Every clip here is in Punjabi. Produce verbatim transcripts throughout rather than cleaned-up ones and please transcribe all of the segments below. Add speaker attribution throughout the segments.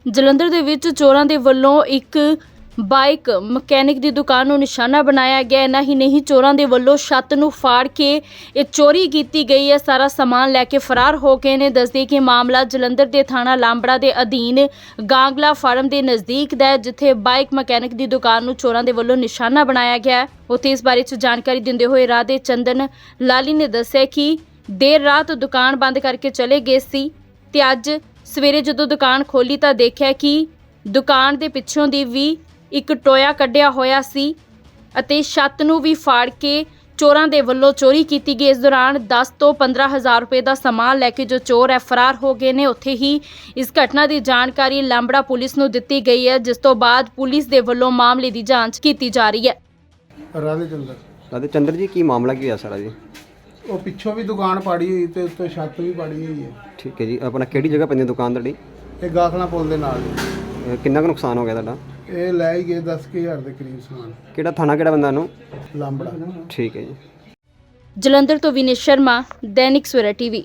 Speaker 1: ਜਲੰਧਰ ਦੇ ਵਿੱਚ ਚੋਰਾਂ ਦੇ ਵੱਲੋਂ ਇੱਕ ਬਾਈਕ ਮਕੈਨਿਕ ਦੀ ਦੁਕਾਨ ਨੂੰ ਨਿਸ਼ਾਨਾ ਬਣਾਇਆ ਗਿਆ। ਇੰਨਾ ਹੀ ਨਹੀਂ, ਚੋਰਾਂ ਦੇ ਵੱਲੋਂ ਛੱਤ ਨੂੰ ਫਾੜ ਕੇ ਇਹ ਚੋਰੀ ਕੀਤੀ ਗਈ ਹੈ। ਸਾਰਾ ਸਮਾਨ ਲੈ ਕੇ ਫਰਾਰ ਹੋ ਗਏ ਨੇ। ਦੱਸਦੇ ਕਿ ਮਾਮਲਾ ਜਲੰਧਰ ਦੇ ਥਾਣਾ ਲਾਂਬੜਾ ਦੇ ਅਧੀਨ ਗਾਂਗਲਾ ਫਾਰਮ ਦੇ ਨਜ਼ਦੀਕ ਦਾ ਹੈ, ਜਿੱਥੇ ਬਾਈਕ ਮਕੈਨਿਕ ਦੀ ਦੁਕਾਨ ਨੂੰ ਚੋਰਾਂ ਦੇ ਵੱਲੋਂ ਨਿਸ਼ਾਨਾ ਬਣਾਇਆ ਗਿਆ ਹੈ। ਉੱਥੇ ਇਸ ਬਾਰੇ 'ਚ ਜਾਣਕਾਰੀ ਦਿੰਦੇ ਹੋਏ ਰਾਧੇ ਚੰਦਨ ਲਾਲੀ ਨੇ ਦੱਸਿਆ ਕਿ ਦੇਰ ਰਾਤ ਦੁਕਾਨ ਬੰਦ ਕਰਕੇ ਚਲੇ ਗਏ ਸੀ ਤੇ ਅੱਜ ਸਵੇਰੇ ਜਦੋਂ ਦੁਕਾਨ ਖੋਲੀ ਤਾਂ ਦੇਖਿਆ ਕਿ ਦੁਕਾਨ ਦੇ ਪਿੱਛੋਂ ਦੀ ਵੀ ਇੱਕ ਟੋਇਆ ਕੱਢਿਆ ਹੋਇਆ ਸੀ ਅਤੇ ਛੱਤ ਨੂੰ ਵੀ ਫਾੜ ਕੇ ਚੋਰਾਂ ਦੇ ਵੱਲੋਂ ਚੋਰੀ ਕੀਤੀ ਗਈ। ਇਸ ਦੌਰਾਨ ਦਸ ਤੋਂ ਪੰਦਰਾਂ ਹਜ਼ਾਰ ਰੁਪਏ ਦਾ ਸਮਾਨ ਲੈ ਕੇ ਜੋ ਚੋਰ ਹੈ ਫਰਾਰ ਹੋ ਗਏ ਨੇ। ਉੱਥੇ ਹੀ ਇਸ ਘਟਨਾ ਦੀ ਜਾਣਕਾਰੀ ਲਾਂਬੜਾ ਪੁਲਿਸ ਨੂੰ ਦਿੱਤੀ ਗਈ ਹੈ, ਜਿਸ ਤੋਂ ਬਾਅਦ ਪੁਲਿਸ ਦੇ ਵੱਲੋਂ ਮਾਮਲੇ ਦੀ ਜਾਂਚ ਕੀਤੀ ਜਾ ਰਹੀ ਹੈ।
Speaker 2: ਰਾਧੇ ਚੰਦਰ
Speaker 3: ਰਾਧੇ ਚੰਦਰ ਜੀ, ਕੀ ਮਾਮਲਾ ਕੀ ਹੋਇਆ ਸਾਰਾ ਜੀ?
Speaker 2: ਉਹ ਪਿੱਛੋਂ ਵੀ ਦੁਕਾਨ ਪਾੜੀ ਹੋਈ ਤੇ ਉੱਤੇ ਛੱਤ ਵੀ ਪਾੜੀ ਹੋਈ ਹੈ।
Speaker 3: ਠੀਕ ਹੈ ਜੀ, ਆਪਣਾ ਕਿਹੜੀ ਜਗ੍ਹਾ ਪੈਂਦੀ ਦੁਕਾਨ ਤੁਹਾਡੀ?
Speaker 2: ਇਹ ਗਾਖਲਾ ਪੁੱਲ ਦੇ ਨਾਲ ਹੀ।
Speaker 3: ਅਹ ਕਿੰਨਾ ਕੁ ਨੁਕਸਾਨ ਹੋ ਗਿਆ ਤੁਹਾਡਾ?
Speaker 2: ਇਹ ਲੈ ਹੀ ਗਏ ਦਸ ਕੁ ਹਜ਼ਾਰ ਦੇ ਕਰੀਬ ਸਮਾਨ।
Speaker 3: ਕਿਹੜਾ ਥਾਣਾ, ਕਿਹੜਾ ਬੰਦਾ ਨੂੰ?
Speaker 2: ਲਾਂਬੜਾ।
Speaker 3: ਠੀਕ ਹੈ ਜੀ।
Speaker 1: ਜਲੰਧਰ ਤੋਂ ਵਿਨੇ ਸ਼ਰਮਾ, ਦੈਨਿਕ ਸਵੇਰਾ ਟੀਵੀ।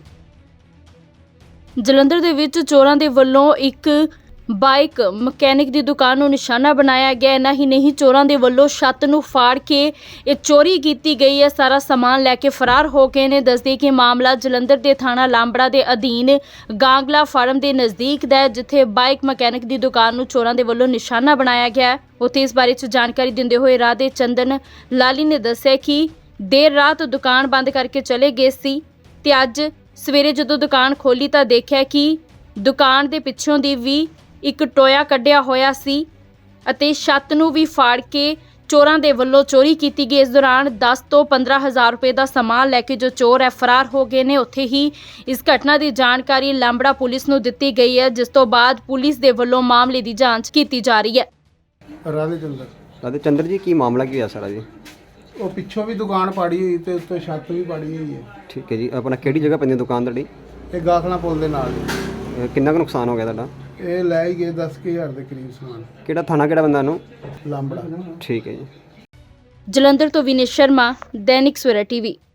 Speaker 1: ਜਲੰਧਰ ਦੇ ਵਿੱਚ ਚੋਰਾਂ ਦੇ ਵੱਲੋਂ ਇੱਕ ਬਾਈਕ ਮਕੈਨਿਕ ਦੀ ਦੁਕਾਨ ਨੂੰ ਨਿਸ਼ਾਨਾ ਬਣਾਇਆ ਗਿਆ। ਇੰਨਾ ਹੀ ਨਹੀਂ, ਚੋਰਾਂ ਦੇ ਵੱਲੋਂ ਛੱਤ ਨੂੰ ਫਾੜ ਕੇ ਇਹ ਚੋਰੀ ਕੀਤੀ ਗਈ ਹੈ। ਸਾਰਾ ਸਮਾਨ ਲੈ ਕੇ ਫਰਾਰ ਹੋ ਗਏ ਨੇ। ਦੱਸਦੇ ਕਿ ਮਾਮਲਾ ਜਲੰਧਰ ਦੇ ਥਾਣਾ ਲਾਂਬੜਾ ਦੇ ਅਧੀਨ ਗਾਂਗਲਾ ਫਾਰਮ ਦੇ ਨਜ਼ਦੀਕ ਦਾ ਹੈ, ਜਿੱਥੇ ਬਾਈਕ ਮਕੈਨਿਕ ਦੀ ਦੁਕਾਨ ਨੂੰ ਚੋਰਾਂ ਦੇ ਵੱਲੋਂ ਨਿਸ਼ਾਨਾ ਬਣਾਇਆ ਗਿਆ। ਉੱਥੇ ਇਸ ਬਾਰੇ 'ਚ ਜਾਣਕਾਰੀ ਦਿੰਦੇ ਹੋਏ ਰਾਧੇ ਚੰਦਨ ਲਾਲੀ ਨੇ ਦੱਸਿਆ ਕਿ ਦੇਰ ਰਾਤ ਦੁਕਾਨ ਬੰਦ ਕਰਕੇ ਚਲੇ ਗਏ ਸੀ ਤੇ ਅੱਜ ਸਵੇਰੇ ਜਦੋਂ ਦੁਕਾਨ ਖੋਲੀ ਤਾਂ ਦੇਖਿਆ ਕਿ ਦੁਕਾਨ ਦੇ ਪਿੱਛੋਂ ਦੀ ਵੀ ਇੱਕ ਟੋਇਆ ਕੱਢਿਆ ਹੋਇਆ ਸੀ ਅਤੇ ਛੱਤ ਨੂੰ ਵੀ ਫਾੜ ਕੇ ਚੋਰਾਂ ਦੇ ਵੱਲੋਂ ਚੋਰੀ ਕੀਤੀ ਗਈ। ਇਸ ਦੌਰਾਨ ਦਸ ਤੋਂ ਪੰਦਰਾਂ ਹਜ਼ਾਰ ਰੁਪਏ ਦਾ ਸਮਾਨ ਲੈ ਕੇ ਜੋ ਚੋਰ ਹੈ ਫਰਾਰ ਹੋ ਗਏ ਨੇ। ਉੱਥੇ ਹੀ ਇਸ ਘਟਨਾ ਦੀ ਜਾਣਕਾਰੀ ਲਾਂਬੜਾ ਪੁਲਿਸ ਨੂੰ ਦਿੱਤੀ ਗਈ ਹੈ, ਜਿਸ ਤੋਂ ਬਾਅਦ ਪੁਲਿਸ ਦੇ ਵੱਲੋਂ ਮਾਮਲੇ ਦੀ ਜਾਂਚ ਕੀਤੀ ਜਾ ਰਹੀ ਹੈ।
Speaker 2: ਰਾਧੇ ਚੰਦਰ
Speaker 3: ਰਾਧੇ ਚੰਦਰ ਜੀ, ਕੀ ਮਾਮਲਾ ਕੀ ਹੋਇਆ ਸਾਰਾ ਜੀ?
Speaker 2: ਉਹ ਪਿੱਛੋਂ ਵੀ ਦੁਕਾਨ ਪਾੜੀ ਹੋਈ ਤੇ ਉੱਤੇ ਛੱਤ ਵੀ ਪਾੜੀ ਹੋਈ ਹੈ।
Speaker 3: ਠੀਕ ਹੈ ਜੀ, ਆਪਣਾ ਕਿਹੜੀ ਜਗ੍ਹਾ ਪੈਂਦੀ ਦੁਕਾਨ ਤੁਹਾਡੀ?
Speaker 2: ਇਹ ਗਾਖਲਾ ਪੁੱਲ ਦੇ ਨਾਲ ਹੀ।
Speaker 3: ਅਹ ਕਿੰਨਾ ਕੁ ਨੁਕਸਾਨ ਹੋ ਗਿਆ ਤੁਹਾਡਾ?
Speaker 2: ਇਹ ਲੈ ਹੀ ਗਏ ਦਸ ਕੁ ਹਜ਼ਾਰ ਦੇ ਕਰੀਬ ਸਮਾਨ।
Speaker 3: ਕਿਹੜਾ ਥਾਣਾ, ਕਿਹੜਾ ਬੰਦਾ ਨੂੰ?
Speaker 2: ਲਾਂਬੜਾ।
Speaker 3: ਠੀਕ ਹੈ ਜੀ।
Speaker 1: ਜਲੰਧਰ ਤੋਂ ਵਿਨੇ ਸ਼ਰਮਾ, ਦੈਨਿਕ ਸਵੇਰਾ ਟੀਵੀ।